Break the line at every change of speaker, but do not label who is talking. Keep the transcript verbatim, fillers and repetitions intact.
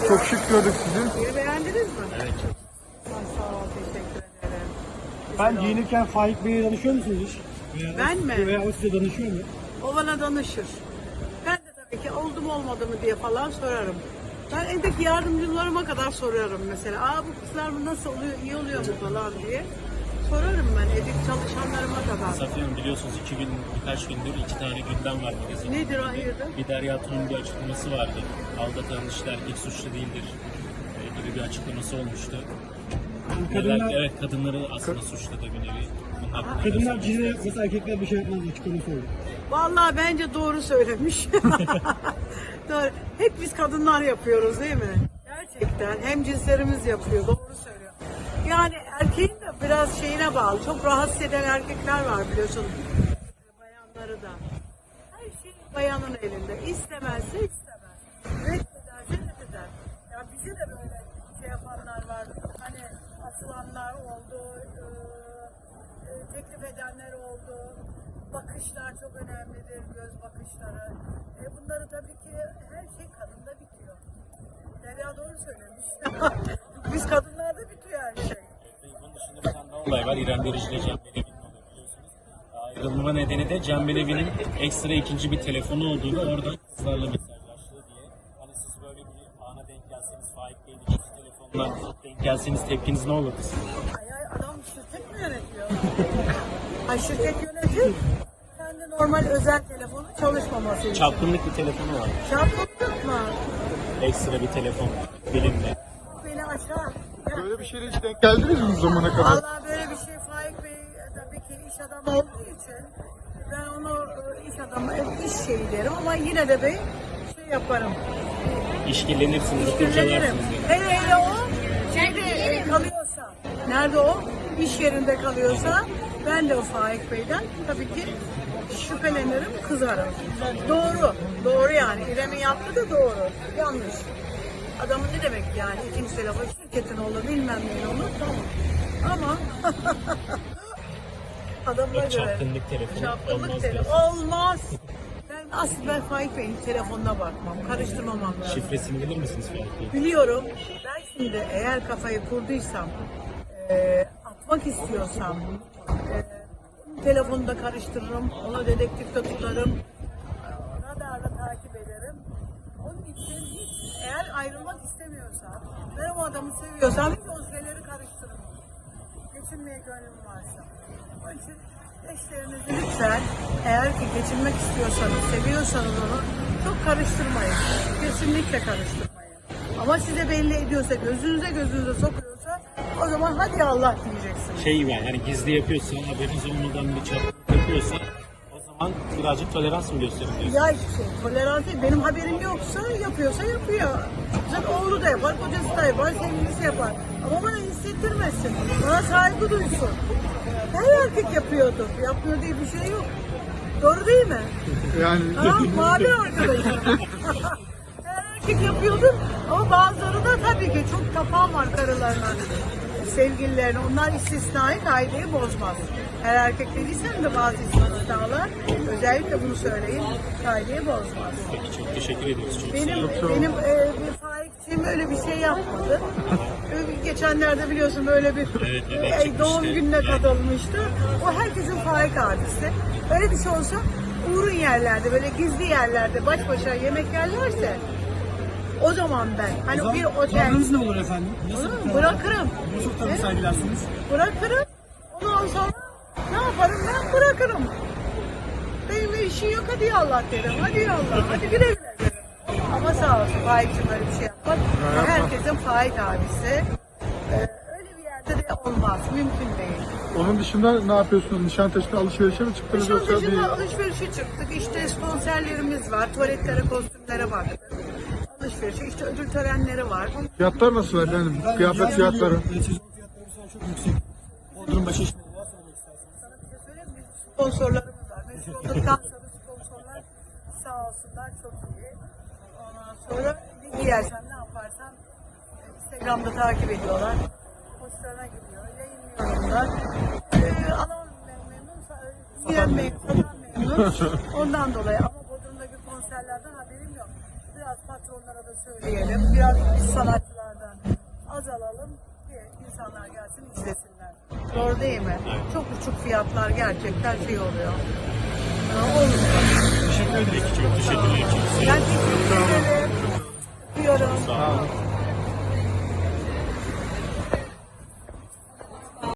Çok şık gördük sizi.
Yeri beğendiniz mi?
Evet.
Ay, sağ ol, teşekkür ederim.
Ben
Güzel oldu.
giyinirken Faik Bey'e danışıyor musunuz hiç? Veya
Ben
o-
mi?
Veya o size danışıyor mu?
O bana danışır. Ben de tabii ki oldu mu olmadı mı diye falan sorarım. Ben evdeki yardımcılarıma kadar sorarım mesela. Aa bu kızlar mı nasıl oluyor, iyi oluyor mu falan diye. Sorarım ben evdeki çalışanlarıma kadar.
Safiye Hanım biliyorsunuz iki gün, birkaç gündür iki tane gündem var magazinde.
Nedir hayırdır?
Bir Derya Tun'un bir açıklaması vardı. Aldatan işler ilk suçlu değildir e, gibi bir açıklaması olmuştu.
Yani
Neler,
kadınlar,
evet kadınları aslında suçladı bir nevi. Bunun hakkında ne
kadınlar
söylemek
cine
istersiniz?
yapmasa erkekler bir şey yapmaz açıklaması oldu.
Vallahi bence doğru söylemiş. Doğru. Hep biz kadınlar yapıyoruz değil mi? Gerçekten. Hem cinslerimiz yapıyor. Doğru söylüyor. Yani erkeğin de biraz şeyine bağlı. Çok rahatsız eden erkekler var biliyorsun. Bayanları da. Her şey bayanın elinde. İstemezse istemez. Reddederse reddeder. Ya bize de böyle şey yapanlar var. Hani asılanlar oldu. E, e, teklif edenler oldu. Bakışlar çok önemlidir, göz bakışları. E bunları tabii ki her şey kadında bitiyor. Derya doğru söylemiş. Biz kadınlarda bitiyor her şey.
Bunun dışında bir tane daha olay var. İrem Derici ile Cem Belevi'nin oluyor biliyorsunuz. Ayrılma nedeni de Cem Belevi'nin ekstra ikinci bir telefonu olduğunu oradan kızlarla mesajlaştığı diye. Hani siz böyle bir ana denk gelseniz, Faik Bey'in ikinci telefonuna denk gelseniz tepkiniz ne olurdu sizin?
Ay ay adam şirket mi yönetiyor? Ay şirket yönetir. Kendi normal özel telefonu çalışmaması için.
Çapkınlık bir telefonu var.
Çapkınlık mı?
Ekstra bir telefon bilimle.
Beni aşağı. Ya,
Böyle bir şeyle hiç denk geldiniz mi bu zamana kadar?
vallahi böyle bir şey Faik Bey e, tabii ki iş adamı olduğu için ben onu e, iş adamı, e, iş şeyi derim ama yine de ben şey yaparım.
İşkillenirsiniz,
İşkillenirim.
kurcalarsınız.
Hele hele o şeyde e, kalıyorsa, nerede o? İş yerinde kalıyorsa ben de o Faik Bey'den tabii ki şüphelenirim, kızarım. Doğru, doğru yani. İrem'in yaptığı da doğru. Yanlış. Adamın ne demek yani? İkinci telefon şirketin olur, bilmem ne olur, tamam. Ama adamına
Yok,
göre
çapkınlık telefonu
çapkınlık
olmaz
telefon
diyorsun.
olmaz. Ben aslında ben Faik Bey'in telefonuna bakmam, karıştırmamam lazım.
Şifresini bilir misiniz Faik Bey?
Biliyorum. Ben şimdi eğer kafayı kurduysam, e, atmak istiyorsam, e, telefonu da karıştırırım, ona dedektifte tutarım, radarla takip ederim. Onun için hiç, eğer ayrılmak istemiyorsam, ben o adamı seviyorsam hiç o şeyleri karıştırmam. Geçinmeye gönlüm varsa. Onun için eşlerinizi lütfen, eğer ki geçinmek istiyorsanız, seviyorsanız onu çok karıştırmayın. Kesinlikle karıştırmayın. Ama size belli ediyorsa, gözünüze gözünüze sokuyorsa o zaman hadi Allah diyeceksiniz.
Şey yani hani gizli yapıyorsa, haberiniz olmadan bir çapkınlık yapıyorsa o zaman birazcık tolerans mı gösterin diyorsunuz?
Ya şey, tolerans değil. Benim haberim yoksa yapıyorsa yapıyor. Zaten oğlu da yapar, kocası da yapar, sevgilisi yapar. Ama bana hissettirmesin. Bana saygı duysun. Her erkek yapıyordur. Yapmıyor diye bir şey yok. Doğru değil mi?
Yani
Ha, mavi arkadaşım. Her erkek yapıyordur ama bazıları da tabii ki çok tapan var karılarına, sevgililerine. Onlar istisnai kaideyi bozmaz. Her erkek dediysem de bazı istisnalar, özellikle bunu söyleyeyim, kaideyi bozmaz.
Peki çok teşekkür ediyoruz. Çok
Benim
sağ olun.
benim e, bir Faik'ciğim öyle bir şey yapmadı. Ö- Geçenlerde biliyorsun böyle bir
Evet, evet,
e,
çıkmıştı.
doğum gününe katılmıştı. O herkesin Faik abisi. Öyle bir şey olsa uğrun yerlerde, böyle gizli yerlerde baş başa yemek yerlerse o zaman ben hani bir otel
Tavrınız ne olur efendim? Nasıl,
Onu bırakırım.
nasıl tavır
Evet.
sergilersiniz?
Bırakırım. Ondan sonra ne yaparım ben? Bırakırım. Benim işim yok, hadi ya Allah derim. Hadi ya Allah. Hadi güle güle derim. Ama sağ olsun Faik'cim böyle bir şey yapmak. Herkesin Faik abisi. Ee, öyle bir yerde de olmaz. Mümkün değil.
onun dışında ne yapıyorsunuz? Nişantaşı'nda alışverişe mi çıktınız yoksa bir...
Nişantaşı'nda alışverişe çıktık. İşte sponsorlarımız var. Tuvaletlere, kostümlere baktık. Alışverişe, işte ödül törenleri var.
Fiyatlar nasıl efendim? Kıyafet fiyatları.
Sezon fiyatları şu an çok yüksek. Bodrum başı işleri var söylemek isterseniz.
Sana bir şey söyleyeyim mi? Sponsorlarımız var. Meşhur olduktan sonra sponsorlar sağ olsunlar çok iyi. Ondan sonra bir giyersen ne yaparsan e, Instagram'da takip ediyorlar. Hoşlarına gidiyor. Yayınlıyorlar. Ee, alan mem- memnun, sa- giyen memnun, satan memnun. Ondan dolayı ama Bodrum'daki konserlerden haberim yok. biraz patronlara da söyleyelim. Biraz biz sanatçılardan azalalım ki insanlar gelsin izlesinler. Doğru değil mi? Çok uçuk fiyatlar gerçekten şey oluyor. Ee, Olmuyor.
Teşekkür ederim. Çok teşekkürler.
Ben teşekkür ederim. Öpüyorum.
Sağ olun.